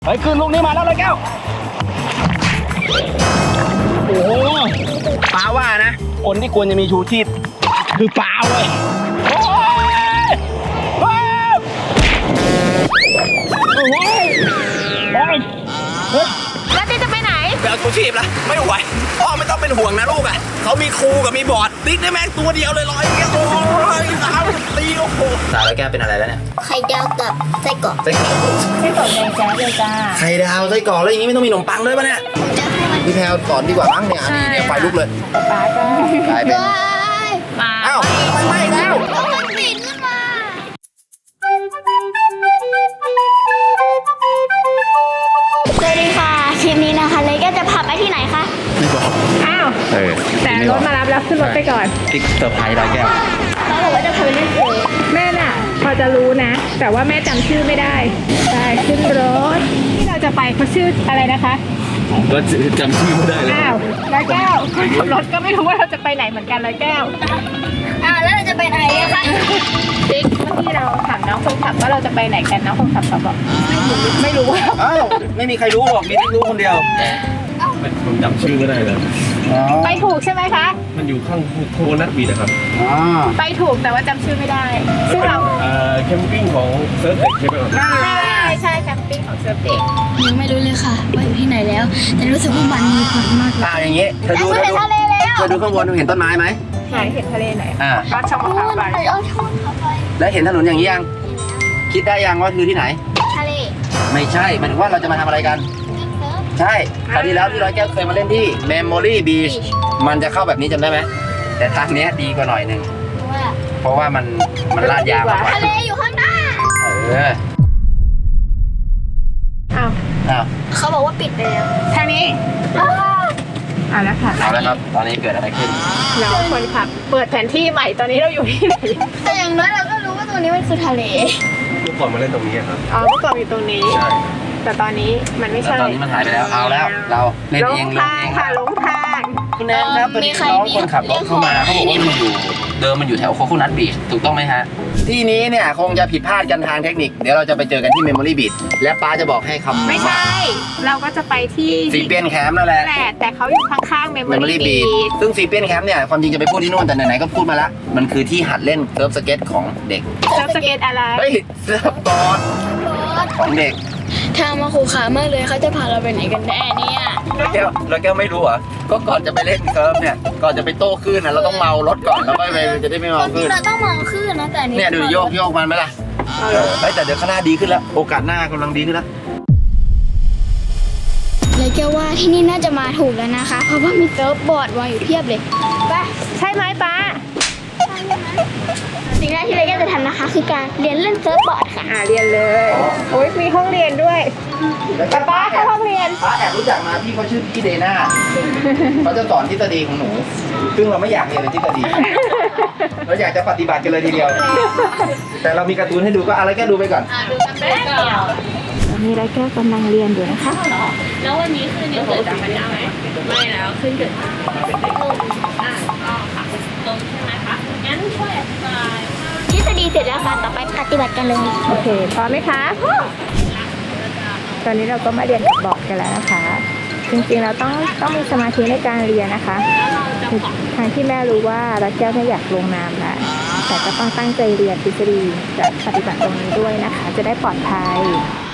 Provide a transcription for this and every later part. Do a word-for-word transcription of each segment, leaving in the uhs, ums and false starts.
เฮ้ยขึ้นลูกนี้มาแล้วเลยแก้วโอ้โหปลาว่านะคนที่ควรจะมีชูชีพคือปลาเว้ยโอ้ยโอ้ยโอ้ยโอ้ยเฮ้ยแล้วติ๊กจะไปไหนไปเอาชูชีพละไม่ไหวพ่อไม่ต้องเป็นห่วงนะลูกอ่ะเขามีครูกับมีบอร์ดติ๊กได้แม่งตัวเดียวเลยร้อยเดียวโอ้ยสาวตีโอ้โหสาวแล้วแกเป็นอะไรแล้วเนี่ยไข่ดาวกับไส้กรอกไส้กรอกไส้กรอกแดงแจ๊สเลยจ้าไข่ดาวไส้กรอกแล้วอย่างนี้ไม่ต้องมีขนมปังด้วยป่ะเนี่ยจะให้มันพี่แพลวสอนดีกว่ามั้งเนี่ยอันนี้เนี่ยไฟลุกเลยปลาก็กลายเป็นมาอ้าวไฟไหม้แล้วมันปิดขึ้นมาสวัสดีค่ะคลิปนี้นะคะเลยก็จะพาไปที่ไหนคะไม่บอกอ้าวเออแต่รถมารับแล้วขึ้นรถไปก่อนติ๊กเซอร์ไพรส์ร้อยแก้วเขาบอกว่าจะพาไปเล่นเซิร์ฟแม่น่ะ พอจะรู้นะ แต่ว่าแม่จำชื่อไม่ได้ไปขึ้นรถที่เราจะไปเขาชื่ออะไรนะคะก็จำชื่อไม่ได้เลยอ้าวร้อยแก้วคนขับรถก็ไม่รู้ว่าเราจะไปไหนเหมือนกันร้อยแก้วอ่าแล้วเราจะไปไหนอะคะติ๊กเมื่อกี้เราถามน้องคนขับว่าเราจะไปไหนกันน้องคนขับเขาบอกไม่รู้ว่าอ้าวไม่มีใครรู้หรอกมีติ๊กรู้คนเดียวผมจำชื่อไม่ได้เลยไปถูกใช่ไหไหมคะมันอยู่ข้างโคนัทบีนะครับอ๋อไปถูกแต่ว่าจำชื่อไม่ได้ ซึ่งเราเอ่อแคมปิ้งของเซิร์ฟเด็กใช่ไหมครับใช่ใช่แคมปิ้งของเซิร์ฟเด็กยังไม่รู้เลยค่ะว่าอยู่ที่ไหนแล้ว แต่รู้สึกว่ามันมีความมากเลยอ่าอย่างงี้เธอดูไม่เธอเห็นดูทะเลแล้วเธอดูข้างบนเห็นต้นไม้ไหมไหนเห็นทะเลไหนอ่าก็ช่องมะพร้าวไปเอาช่องเข้าไปแล้วเห็นถนนอย่างนี้ยังคิดได้ยังว่าคือที่ไหนทะเลไม่ใช่หมายถึงว่าเราจะมาทำอะไรกัน ใช่คราวที่แล้วที่ร้อยแก้วเคยมาเล่นที่ Memory Beach มันจะเข้าแบบนี้จำได้ไหมแต่ทางเนี้ยดีกว่าหน่อยหนึงว่าเพราะว่ามันมันลาดยางมากกว่าทะเลอยู่ข้างหน้าเอออ้าวอ้าวเขาบอกว่าปิดไปแล้วทางนี้อ่าแล้วค่ะเอาละครับ ตอนนี้เกิดอะไรขึ้นเราคนขับเปิดแผนที่ใหม่ตอนนี้เราอยู่ที่ไหนแต่อย่างน้อยเราก็รู้ว่าตรงนี้มันคือทะเลเมื่อก่อนมาเล่นตรงนี้ครับอ๋อเมื่อก่อนอยู่ตรงนี้ใช่แต่ตอนนี้มันไม่แล้วใช่ตอนนี้มันหายไปแล้ว เอาแล้ว เราเล่นหลเองงเล่นทางเองค่ะหลงทางคุณแนนครับตอนนี้น้องคนขับรถเข้ามาเขาบอกว่ามันอยู่เดิมมันอยู่แถวโคโคนัทบีชถูกต้องไหมฮะ ที่นี้เนี่ยคงจะผิดพลาดกันทางเทคนิค เดี๋ยวเราจะไปเจอกันที่ Memory Beach และป้าจะบอกให้คำไม่ใช่ เราก็จะไปที่ซีเปียนแคมป์นั่นแหละแหละแต่เขาอยู่ข้างๆ Memory Memory Beach Beach ซึ่งซีเปียนแคมป์เนี่ยความจริงจะไปพูดที่นู่นแต่ไหนๆก็พูดมาละมันคือที่หัดเล่นเซิร์ฟสเก็ตของเด็กเซิร์ฟสเก็ตอะไรเฮ้ยเซิร์ฟบอร์ดของเด็กทางมาขู่ขามากเลยเขาจะพาเราไปไหนกันแน่เนี่ยแล้วแก้วแล้วแก้วไม่รู้เหรอก็ก่อนจะไปเล่นเซิร์ฟเนี่ยก่อนจะไปโต้คลื่นนะเราต้องเมารถก่อนแล้วค่อยไปจะได้ไม่คเมาวามจคริลื่งนเราต้องมองขึ้นนะแต่อันนี้เนี่ยดูโยกโยกมันไหมล่ะเออเฮ้ยแต่เดี๋ยวข้างหน้าดีขึ้นแล้วโอกาสหน้ากำลังดีขึ้นแล้วเลยแกว่าที่นี่น่าจะมาถูกแล้วนะคะ เพราะว่ามีเซิร์ฟบอร์ดวางอยู่เพียบเลยไปใช่ไหมป้าสิ่งแรกที่เลยแกจะทำนะคะ คือการเรียนเล่นเซิร์ฟบอร์ดค่ะอ่าเรียนเลยโอ้ยมีห้องเรียนด้วยป้าป้าเข้าห้องเรียนป้าแอบรู้จักมาพี่เขาชื่อพี่เดน่าเขาจะสอนทฤษฎีของหนู ซึ่งเราไม่อยากเรียนเลยทฤษฎีเราอยากจะปฏิบัติกันเลยทีเดียว แต่เรามีการ์ตูนให้ดูก็อะไรก็ดูไปก่อนตอนนี้ไรแก้วกำลังเรียนอยู่นะคะแล้ววันนี้คือนิวเกิดจากพระเจ้าไหมไม่แล้วขึ้นเกิดจากอ่าก็ค่ะตรงใช่ไหมคะงั้นช่วยอธิบายว่าทฤษฎีเสร็จแล้วค่ะต่อไปปฏิบัติกันเลยโอเคพร้อมไหมคะ ตอนนี้เราก็มาเรียนกับบอร์ดกันแล้วนะคะ จริงๆเราต้องต้องมีสมาธิในการเรียนนะคะทางที่แม่รู้ว่ารักแก้วไม่อยากลงน้ำแล้วแต่ก็ต้องตั้งใจเรียนทฤษฎีจะปฏิบัติตรงนี้ด้วยนะคะ จะได้ปลอดภัย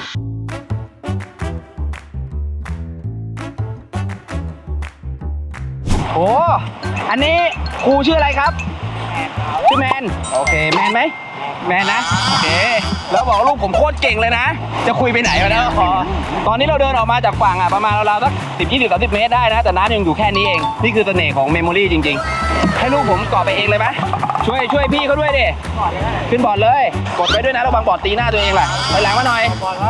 โอ้ อันนี้ครูชื่ออะไรครับ ชื่อแมน โอเค แมนไหม แมนนะ โอเค แล้วบอกลูกผมโคตรเก่งเลยนะ จะคุยไปไหนมาแล้วขอตอนนี้เราเดินออกมาจากฝั่งอ่ะประมาณราวๆสักสิบยี่สิบสามสิบเมตรได้นะ แต่น้ำยังอยู่แค่นี้เอง นี่คือเสน่ห์ของเมมโมรี่จริงๆ ให้ลูกผมเกาะไปเองเลยไหมช่วยช่วยพี่เขาด้วยดิ ขึ้นบอร์ดเลย กดไปด้วยนะระวังบอร์ดตีหน้าตัวเองแหละไปหลังมาหน่อย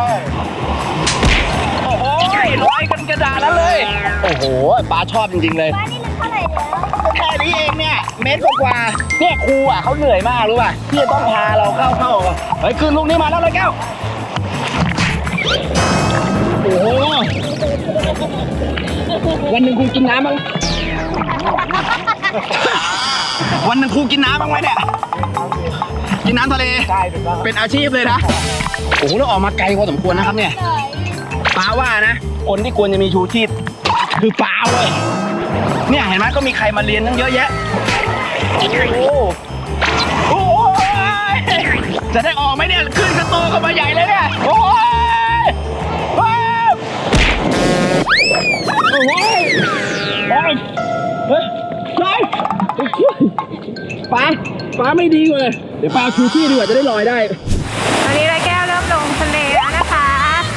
โอ้โหลอยกันกระดาษแล้วเลย โอ้โหปลาชอบจริงๆเลยบ้านนี่มันเท่าไหร่แล้วแค่นี้เองเนี่ยเมตรกว่าเนี่ยครูอ่ะเขาเหนื่อยมากรู้ป่ะที่จะต้องพาเราเข้าเข้าเฮ้ยขึ้นลูกนี้มาแล้วเลยแก้วโอ้โหวันหนึ่งครูกินน้ำบ้างวันหนึ่งครูกินน้ำบ้างไหมเนี่ยกินน้ำทะเลเป็นอาชีพเลยนะโอ้โหเราออกมาไกลพอสมควรนะครับเนี่ยป้าว่านะ คนที่ควรจะมีชูชีพคือป้าเว้ยเนี่ยเห็นไหมก็มีใครมาเรียนตั้งเยอะแยะโอ้โหโอ้ยจะได้ออกไหมเนี่ยขึ้นกระโตเข้ามาใหญ่เลยเนี่ยโอ้ยโอ้ยโอ้ยโอ้ยเฮ้ยเฮ้ยป้าป้าไม่ดีกว่าเลยเดี๋ยวป้าชูชีพดีกว่าจะได้ลอยได้ตอนนี้ร้อยแก้วเริ่มลงทะเลแล้วนะคะ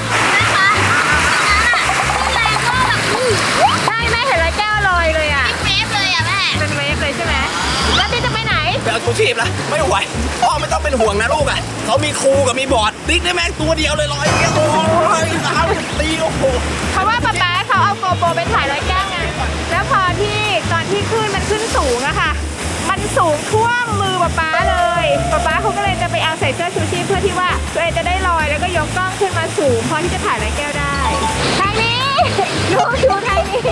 ใช่แม่เห็นร้อยแก้วลอยเลยอ่ะเฟฟเลยอ่ะแม่เป็นเวฟเลยใช่ไหมแล้วติ๊กจะไปไหนไปเอาชูชีพละไม่ไหวพ่อไม่ต้องเป็นห่วงนะลูกอ่ะเขามีครูกับมีบอร์ดติ๊กได้แม่งตัวเดียวเลยลอยอย่างเงี้ยโอ้ยสาวตีโอ้โหเพราะว่าป๊าป๊าเขาเอาโกโปรไปถ่ายร้อยแก้วไงแล้วพอที่ตอนที่ขึ้นมันขึ้นสูงอะค่ะ มันสูงท่วมมือป๊าป๊าเลยป๊าป๊าเขาก็เลยจะไปเอาใส่เสื้อชูชีพเพื่อที่ว่าตัวเองจะได้ลอยแล้วก็ยกกล้องขึ้นมาสูงพอที่จะถ่ายร้อยแก้วได้ทางนี้ลูกดูทางนี้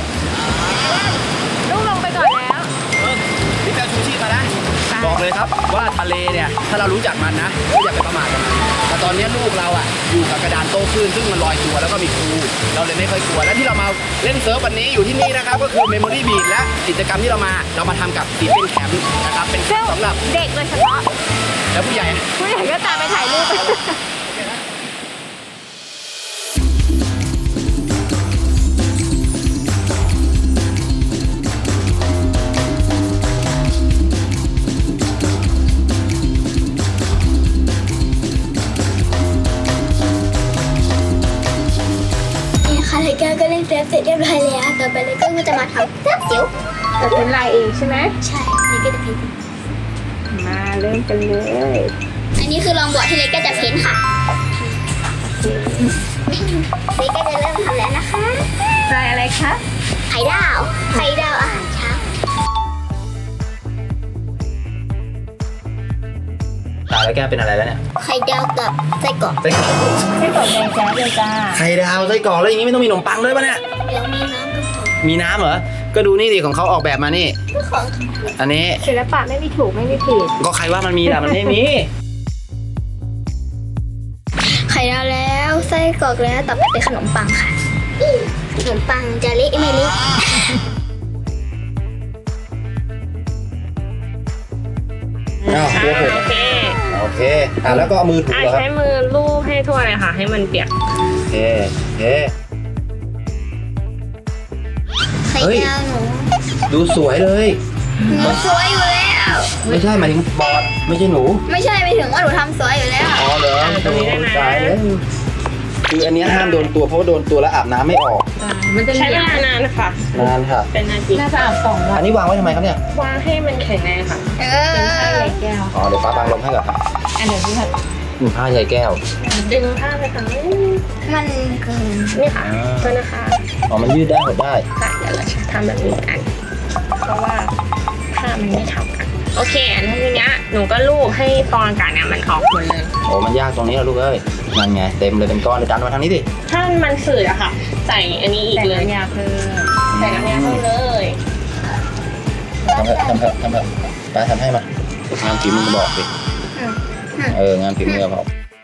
ลูกลงไปก่อนแล้วพี่แปลชูชีพมานะบอกเลยครับว่าทะเลเนี่ยถ้าเรารู้จักมันนะไม่อยากไปประมาทกับมันแต่ตอนนี้ลูกเราอ่ะอยู่กับกระดานโต้คลื่นซึ่งมันลอยตัวแล้วก็มีครูเราเลยไม่ค่อยกลัวและที่เรามาเล่นเซิร์ฟวันนี้อยู่ที่นี่นะครับก็คือ Memory Beach และกิจกรรมที่เรามาเรามาทำกับสีเป็นแคมป์นะครับเป็นแคมป์สำหรับเด็กโดยเฉพาะแล้วผู้ใหญ่ผู้ใหญ่ก็ตามไปถ่ายรูปนี่ค่ะเลยแก้วก็เล่นเฟฟเสร็จเรียบร้อยแล้วต่อไปเลยก็จะมาทำเสื้อจิ๋วแต่เป็นลายเองใช่ไหมใช่เลยก็จะเพ้นมาเริ่มกันเลยอันนี้คือลองบอร์ดที่เลยก็จะเพ้นค่ะเลยก็จะเริ่มทำแล้วนะคะลายอะไรคะไข่ดาวไข่ดาวอาหารเช้าตาแล้วแกเป็นอะไรแล้วเนี่ยไข่ดาวกับไส้กรอกไส้กรอกไส้กรอกแดงแจ๊บเลยจ้าไข่ดาวไส้กรอกแล้วอย่างนี้ไม่ต้องมีขนมปังด้วยป่ะเนี่ยเดี๋ยวมีน้ำก็พอมีน้ำเหรอก็ดูนี่ดิของเขาออกแบบมานี่ของอันนี้ศิลปะไม่มีถูกไม่มีผิดก็ใครว่ามันมีแต่มันไม่มีไข่ดาวแล้วไส้กรอกแล้วต่อไปเป็นขนมปังค่ะขนมปังจะเละไม่เละอ้าวตัวผมโอเคโอเคอ่ะแล้วก็เอามือถูอ่ะเหรอครับใช้มือลูบให้ทั่วเลยค่ะ ให้มันเปียกโอเคโอเคไข่ดาวหนูดูสวยเลยหนูสวยอยู่แล้วไม่ใช่หมายถึงบอดไม่ใช่หนูไม่ใช่ไปถึงว่าหนูทำสวยอยู่แล้วอ๋อเหรออ่าตรงนี้ได้นะตายแล้วคืออันเนี้ยห้ามโดนตัวเพราะว่าโดนตัวแล้วอาบน้ำไม่ออกมันจะใช้เวลานานนะคะนานค่ะเป็นนาทีน่าจะอาบสองวันอันนี้วางไว้ทำไมครับเนี่ยวางให้มันแข็งแรงค่ะเอเป็นผ้าอใยแก้วอ๋อเดี๋ยวฟ้าบางลมให้ก่อนครับอันเดี๋ยวพี่ผัดอืมผ้าใยแก้วดึงผ้าไปค่ะมันเกินนี่ค่ะอ่าก็นะคะอ๋อมันยืดได้หดได้ค่ะเดี๋ยวเราจะทำแบบนี้กัน เพราะว่าผ้ามันไม่เท่ากัน โอเคอันทีเนี้ยหนูก็ลูบให้ฟองอากาศเนี่ยมันออกหมดเลยโอ้มันยากตรงนี้เหรอลูกเอ้ยนั่นไงเต็มเลยเป็นก้อนเลยดันมาทางนี้ดิถ้ามันฝืดอะค่ะ ใส่อันนี้อีกแต่เลยน้ำยาเพิ่มใส่น้ำยาเพิ่มเลยทำเถอะทำเถอะทำเถอะป้าทำให้มางานฝีมือบอกดิเอองานฝีมือบอก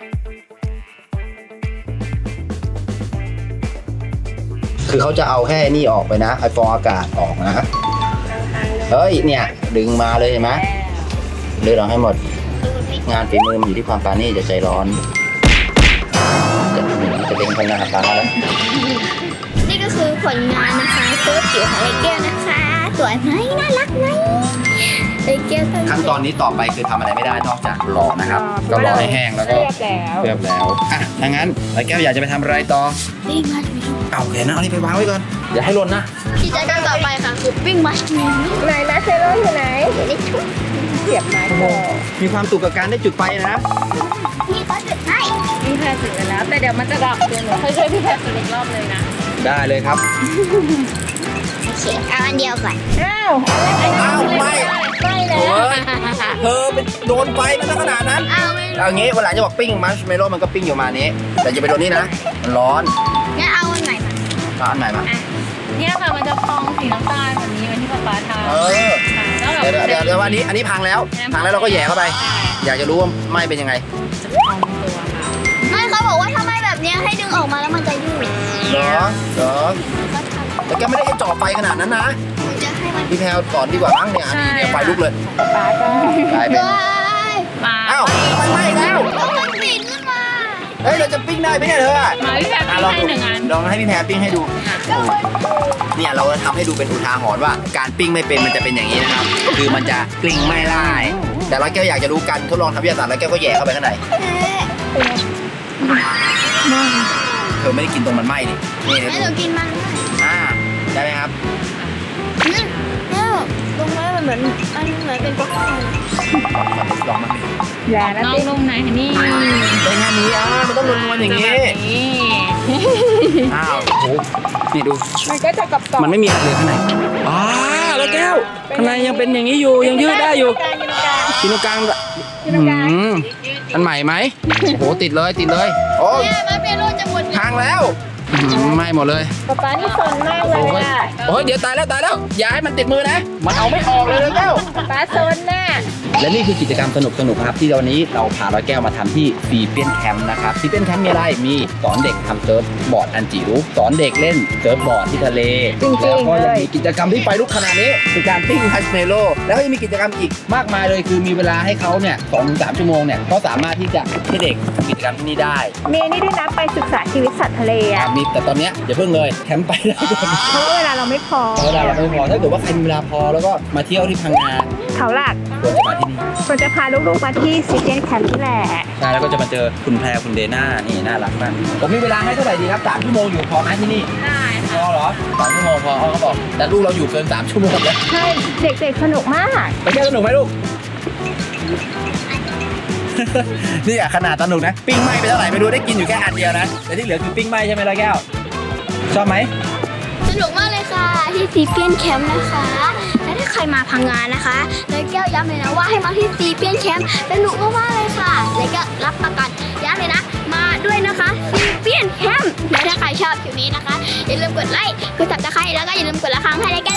คือเขาจะเอาแค่นี่ออกไปนะไอฟองอากาศออกนะเฮ้ยเนี่ยดึงมาเลยเห็นไหมเลือกเอาให้หมด งานฝีมือมันอยู่ที่ความปราณีตจะใจร้อนจะจะเป็นคนหน้าตาแล้วนี่ก็คือผลงานนะคะเสื้อจิ๋วของเลยแก้วนะคะสวยไหมน่ารักไหมเลยแก้วขั้นตอนนี้ต่อไปคือทำอะไรไม่ได้นอกจากรอนะครับ ก็รอให้แห้งแล้วก็เรียบแล้วเรียบแล้วอ่ะถ้างั้นไรแก้วอยากจะไปทำอะไรต่อวิ่งมัชเมลเอาโอเคนะเอานี่ไปวางไว้ก่อนอย่าให้หล่นนะกิจกรรมต่อไปค่ะคือวิ่งมัชเมลไหนนะเซโร่อยู่ไหนอยู่ในชุดเสียบไม้ก่อนมีความสุขกับการได้จุดไฟนะมีก็จุดให้พี่แพรจุดไปแล้ว แต่เดี๋ยวมันจะดับเดี๋ยวหนูค่อยช่วยพี่แพรจุดอีกรอบเลยนะได้เลยครับโอเคเอาอันเดียวก่อนอ้าวอ้าวไม่ไม่แล้วโอ้ย เธอเป็นโดนไฟมันขนาดนั้นเอาไม่เอางี้วันหลังจะบอกปิ้งมัชเมลโล่มันก็ปิ้งอยู่มานี้ แต่จะไปโดนนี่นะมันร้อนงั้นเอาอันไหนมาเอาอันใหม่มาเนี่ยค่ะมันจะฟองสีน้ำตาลแบบนี้เหมือนที่ป๊าป๊าทำเออแล้วแบบเดี๋ยวเดี๋ยวเดี๋ยววันนี้อันนี้พังแล้ว พังแล้วเราก็แหย่เข้าไป อยากจะรู้ว่าไหม้เป็นยังไงจะฟองตัวค่ะไม่เขาบอกว่าถ้าไม่แบบเนี้ยให้ดึงออกมาแล้วมันจะยืดเหรอเหรอก็ทำแต่แกไม่ได้ให้จ่อไฟขนาดนั้นนะหนูจะให้มันพี่แพลวสอนดีกว่ามั้งเนี่ยอันนี้เนี่ยไฟลุกเลยป๊าก็กลายเป็นว้ายมาอ้าวทำไมไหม้แล้วก็มันปิดขึ้นมาเฮ้ยเราจะปิ้งได้ไหมเนี่ยเธอมาพี่แพรอ่ะปิ้งลองให้ดูหนึ่งอันลองให้พี่แพรปิ้งให้ดู เนี่ยเราจะทำให้ดูเป็นอุทาหรณ์ว่าการปิ้งไม่เป็นมันจะเป็นอย่างนี้นะครับ คือมันจะกลิ้งไม่ได้ แต่ร้อยแก้วอยากจะรู้กันทดลองทำวิทยาศาสตร์ร้อยแก้วก็แย่เข้าไปข้างใน เธอไม่ได้กินตรงมันไหม้ดินี่เธอให้ดูหนูกินมันด้วยอ่าได้ไหมครับอืมเนี่ยตรงนี้มันเหมือนมันเหมือนเป็นป๊อปคอร์นลองมาดิอย่านะน้องปิ๊งนุ่มไหนนี่ได้แค่นี้อ่ะมันต้องนวลๆอย่างนี้แบบนี้อ้าวโอ้โหนี่ดูมันก็จะกรอบๆมันไม่มีอะไรเลยข้างในอ่าแล้วแก้ว ข้างในยังเป็นอย่างนี้อยู่ ยังยืดได้อยู่กินตรงกลางกินตรงกลางกินตรงกลางอืมอันใหม่ไหมโอ้โหติดเลยติดเลย โอ้ยเนี่ยมันเป็นรูจะหมดพังแล้วอื้อหือไหม้หมดเลยป๊าป๊านี่สนมากเลยโอ้ยอ่ะโอ้ยเดี๋ยวตายแล้วตายแล้วอย่าให้มันติดมือนะ มันเอาไม่ออกเลยเลยแก้วป๊าสนน่ะและนี่คือกิจกรรมสนุกๆครับที่วันนี้เราพาร้อยแก้วมาทำที่ซีเปียนแคมป์นะครับซีเปียนแคมป์มีอะไรมีสอนเด็กทำเซิร์ฟบอร์ดอันจิ๋วสอนเด็กเล่นเซิร์ฟบอร์ดที่ทะเลจริงๆแล้วก็ยังเลยมีกิจกรรมที่ไฟลุกขนาดนี้คือการปิ้งมัชเมลโล่แล้วก็ยังมีกิจกรรมอีกมากมายเลยคือมีเวลาให้เขาเนี่ยสองถึงสามชั่วโมงเนี่ยก็สามารถที่จะให้เด็กทำกิจกรรมที่นี่ได้มีนี่ด้วยนะไปศึกษาชีวิตสัตว์ทะเลอ่ะมีแต่ตอนเนี้ยอย่าเพิ่งเลยแคมป์ไปได้ก่อนเพราะว่าเวลาเราไม่พอเวลาเราไม่พอถ้าเกิดว่าใครมีเวลาพอแล้วก็มาเที่ยวที่พังงาเขาหลักควรจะมาที่นี่ควรจะพาลูกๆมาที่ซีเจนแคมป์นี่แหละใช่แล้วก็จะมาเจอคุณแพรคุณเดน่านี่น่ารักมากผมมีเวลาให้เท่าไหร่ดีครับสามชั่วโมงอยู่พอไหมที่นี่ได้พอเหรอสามชั่วโมงพอเขาบอกแต่ลูกเราอยู่เกินสามชั่วโมงแล้วใช่ เด็กๆสนุกมากไปเที่ยวสนุกไหมลูก นี่อะขนาดสนุกนะปิ้งไหม้ไปเท่าไหร่ไม่รู้ได้กินอยู่แค่อันเดียวนะแต่ที่เหลือคือปิ้งไหม้ใช่ไหมร้อยแก้วชอบไหมสนุกมากเลยค่ะที่ซีเปียนแคมป์นะคะ และถ้าใครมาพังงานนะคะเลยแก้วย้ำเลยนะว่าให้มาที่ซีเปียนแคมป์สนุกมากๆเลยค่ะเลยก็รับประกันย้ำเลยนะ มาด้วยนะคะซีเปียนแคมป์และถ้าใครชอบคลิปนี้นะคะอย่าลืมกดไลค์กดซับสไครต์แล้วก็อย่าลืมกดละครั้งให้เลยแก้ว